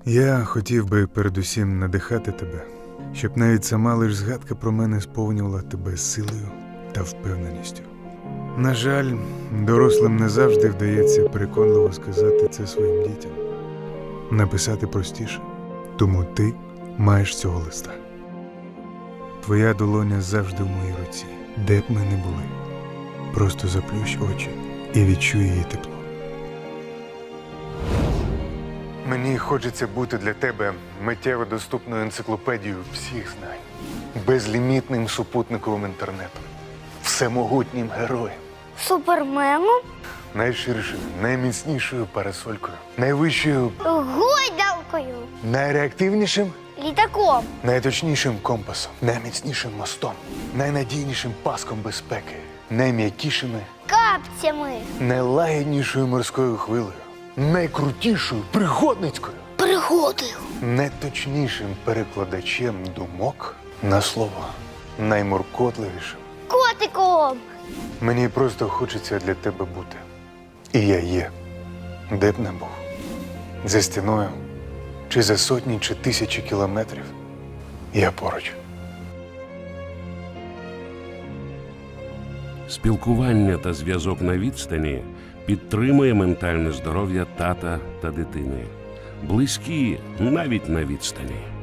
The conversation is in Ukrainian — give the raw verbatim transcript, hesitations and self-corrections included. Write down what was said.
Я хотів би передусім надихати тебе, щоб навіть сама лиш згадка про мене сповнювала тебе силою та впевненістю. На жаль, дорослим не завжди вдається переконливо сказати це своїм дітям. Написати простіше, тому ти маєш цього листа. Твоя долоня завжди в моїй руці, де б ми не були. Просто заплющ очі і відчуй її тепло. Мені хочеться бути для тебе миттєво доступною енциклопедією всіх знань, безлімітним супутниковим інтернетом, всемогутнім героєм, Суперменом? найширшою, найміцнішою парасолькою, найвищою, Гойдалкою. найреактивнішим, Літаком. найточнішим компасом, найміцнішим мостом, найнадійнішим паском безпеки, найм'якішими, Капцями. найлагіднішою морською хвилею, найкрутішою пригодницькою, Пригодою. найточнішим перекладачем думок на слово, наймуркотливішим. Котиком. Мені просто хочеться для тебе бути. І я є, де б не був. За стіною, чи за сотні, чи тисячі кілометрів. Я поруч. Спілкування та зв'язок на відстані підтримує ментальне здоров'я тата та дитини. Близькі навіть на відстані.